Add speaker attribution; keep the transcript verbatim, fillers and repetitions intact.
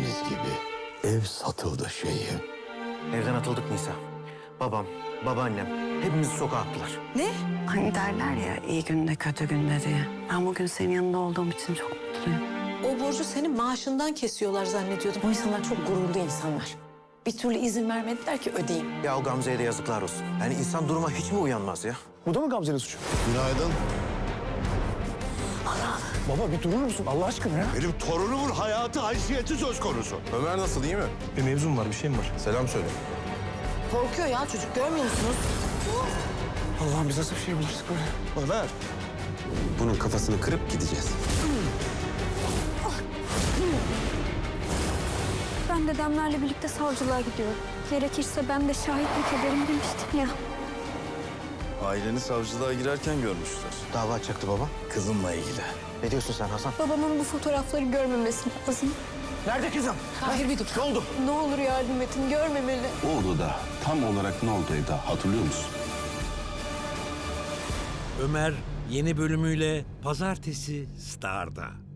Speaker 1: dediğiniz gibi ev satıldı şeyim.
Speaker 2: Evden atıldık Nisa. Babam, babaannem hepimizi sokağa attılar.
Speaker 3: Ne?
Speaker 4: Hani derler ya iyi günde kötü günde diye. Ben bugün senin yanında olduğum için çok mutluyum.
Speaker 3: O borcu senin maaşından kesiyorlar zannediyordum.
Speaker 5: O insanlar çok gururlu insanlar. Bir türlü izin vermediler ki ödeyeyim.
Speaker 2: Ya o Gamze'ye de yazıklar olsun. Yani insan duruma hiç mi uyanmaz ya?
Speaker 6: Bu da mı Gamze'nin suçu?
Speaker 1: Günaydın.
Speaker 6: Baba bir durur musun Allah aşkına ya?
Speaker 1: Benim torunumun hayatı, haysiyeti söz konusu. Ömer nasıl, iyi mi?
Speaker 6: Bir mevzum var, bir şeyim var.
Speaker 1: Selam söyle.
Speaker 5: Korkuyor ya çocuk, görmüyor musunuz?
Speaker 6: Allah'ım biz nasıl bir şey bulaştık böyle?
Speaker 1: Ömer. Bunun kafasını kırıp gideceğiz.
Speaker 7: Ben dedemlerle birlikte savcılığa gidiyorum. Gerekirse ben de şahitlik ederim demiştim ya.
Speaker 8: Aileni savcılığa girerken görmüşler.
Speaker 2: Dava açacaktı baba.
Speaker 8: Kızımla ilgili.
Speaker 2: Ne diyorsun sen Hasan?
Speaker 7: Babamın bu fotoğrafları görmemesi lazım.
Speaker 2: Nerede kızım?
Speaker 5: Hayır bir dur.
Speaker 2: Ne oldu?
Speaker 7: Ne olur yardım edin, görmemeli.
Speaker 8: O odada tam olarak ne oldu Eda hatırlıyor musun?
Speaker 9: Ömer yeni bölümüyle Pazartesi Star'da.